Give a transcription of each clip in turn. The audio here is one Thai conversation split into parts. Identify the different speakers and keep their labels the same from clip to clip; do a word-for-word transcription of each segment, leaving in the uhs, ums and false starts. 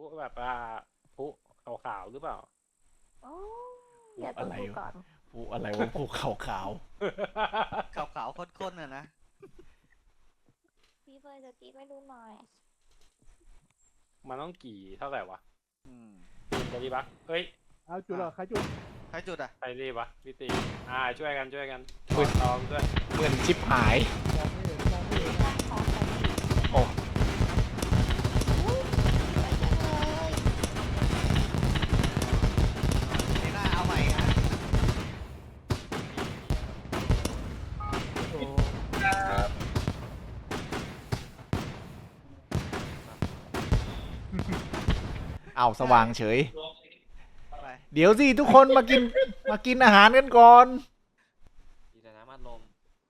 Speaker 1: แบบว่าพลุขาวๆหรือเปล่า
Speaker 2: โอ้เดี๋ยวต้องดูก่อน
Speaker 3: ผู้อะไรวะผู้ขาวขาว
Speaker 4: ขาวๆข้นๆน่ะนะ
Speaker 2: พี่เฟยจะกรีดไม่ดูหน่อย
Speaker 1: มันต้องกี่เท่าไหร่วะ
Speaker 4: อืม
Speaker 1: จะดีปะเฮ้ย
Speaker 5: เอาจุดเหรอใครจุด
Speaker 4: ใครจุดอ่ะ
Speaker 1: ใครดีปะพี่ตีอ่าช่วยกันช่วยกันถอดตองด้วย
Speaker 3: ๆเหมือนชิบหาย
Speaker 5: มองไม่เห็นมองไม่เห็น
Speaker 2: ขอใส่
Speaker 3: โอ้
Speaker 2: อุ้ยสวยจังเลย
Speaker 4: ไม่น่าเอาใหม่ฮะ
Speaker 5: โอ้
Speaker 3: เอาสว่างเฉย
Speaker 4: ไป
Speaker 3: เดี๋ยวสิทุกคนมากินมากินอาหารกันก่อน
Speaker 1: ดีแต่น้ำมันลม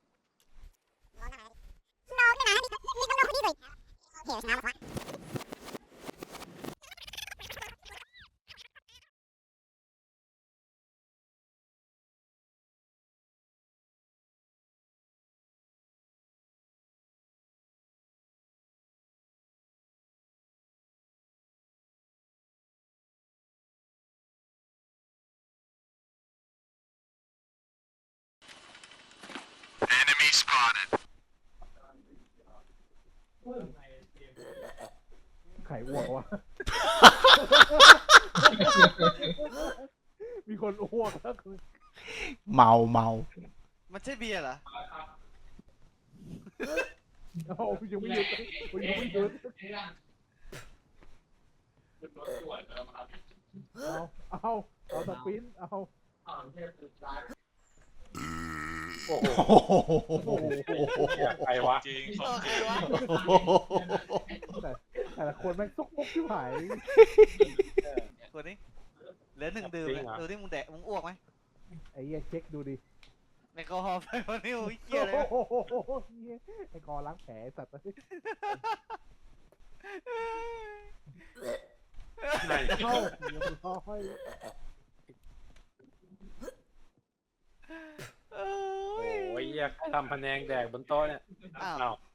Speaker 5: ไข่อ้วกวะ มีคนอ้วกแล้วคือ
Speaker 3: เมาเมา
Speaker 4: มันใช่เบียร์เหรอ
Speaker 5: เอายังไม่หยุดยังไม่หยุดเอาเอาเอาสปินเอา
Speaker 1: โอ้โห
Speaker 3: โอ้โห
Speaker 1: ใครวะ
Speaker 6: จริง
Speaker 4: เออใครวะ
Speaker 5: แต่แต่ละคนแม่งซุกมุกที่หาย
Speaker 4: คนนี้เหลือหนึ่งดื่มเนี่ยดูที่มึงแดกมึงอ้วกไหม
Speaker 5: ไอ้เหี้ยเช็คดูดิ
Speaker 4: แอลกอฮอล์ไปวันนี้โอ้ยเกี้ยเลย
Speaker 5: โอ้โหเหี้ยไอ้กอล้างแผลไอ้สัตว์
Speaker 1: ไหน
Speaker 5: เข้าเรียบร้อย
Speaker 4: โอ้
Speaker 1: โอ้
Speaker 4: ย
Speaker 1: ยเหี้ยใครทำพะแนงแดกบนโต๊ะเนี่ย
Speaker 4: อ้าว
Speaker 1: อ้าว